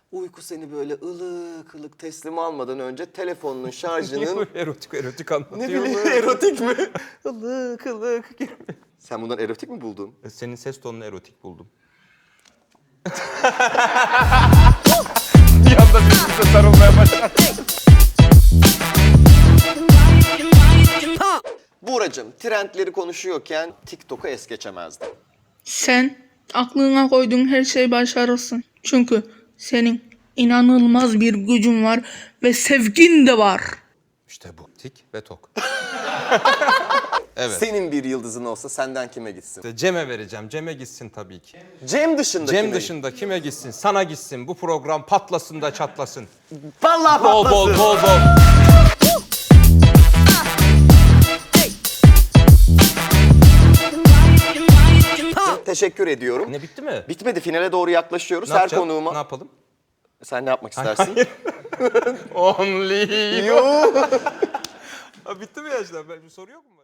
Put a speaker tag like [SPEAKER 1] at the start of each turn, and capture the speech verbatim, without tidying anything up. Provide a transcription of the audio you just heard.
[SPEAKER 1] Uyku seni böyle ılık ılık teslim almadan önce telefonunun şarjının...
[SPEAKER 2] erotik erotik anlatıyor.
[SPEAKER 1] Ne bileyim erotik mi? ılık ılık. Sen bundan erotik mi buldun?
[SPEAKER 2] Senin ses tonunu erotik buldum. Bir anda birbirimize sarılmaya başladı.
[SPEAKER 1] Buğracığım, trendleri konuşuyorken TikTok'u es geçemezdim.
[SPEAKER 3] Sen aklına koyduğun her şeyi başarırsın. Çünkü senin inanılmaz bir gücün var ve sevgin de var.
[SPEAKER 2] İşte bu. Tik ve tok. Evet.
[SPEAKER 1] Senin bir yıldızın olsa senden kime gitsin?
[SPEAKER 2] İşte Cem'e vereceğim. Cem'e gitsin tabii ki.
[SPEAKER 1] Cem dışında
[SPEAKER 2] Cem
[SPEAKER 1] kime
[SPEAKER 2] dışında kime gitsin? Sana gitsin. Bu program patlasın da çatlasın.
[SPEAKER 1] Vallahi
[SPEAKER 2] Bol bol
[SPEAKER 1] patlasın.
[SPEAKER 2] bol bol.
[SPEAKER 1] Teşekkür ediyorum.
[SPEAKER 2] Ne bitti mi?
[SPEAKER 1] Bitmedi, finale doğru yaklaşıyoruz.
[SPEAKER 2] Ne
[SPEAKER 1] Her
[SPEAKER 2] yapacağım?
[SPEAKER 1] konuğuma...
[SPEAKER 2] Ne yapalım?
[SPEAKER 1] Sen ne yapmak istersin?
[SPEAKER 2] Only you.
[SPEAKER 1] Yo.
[SPEAKER 2] Ha, bitti mi ya işte? Bir soru yok mu?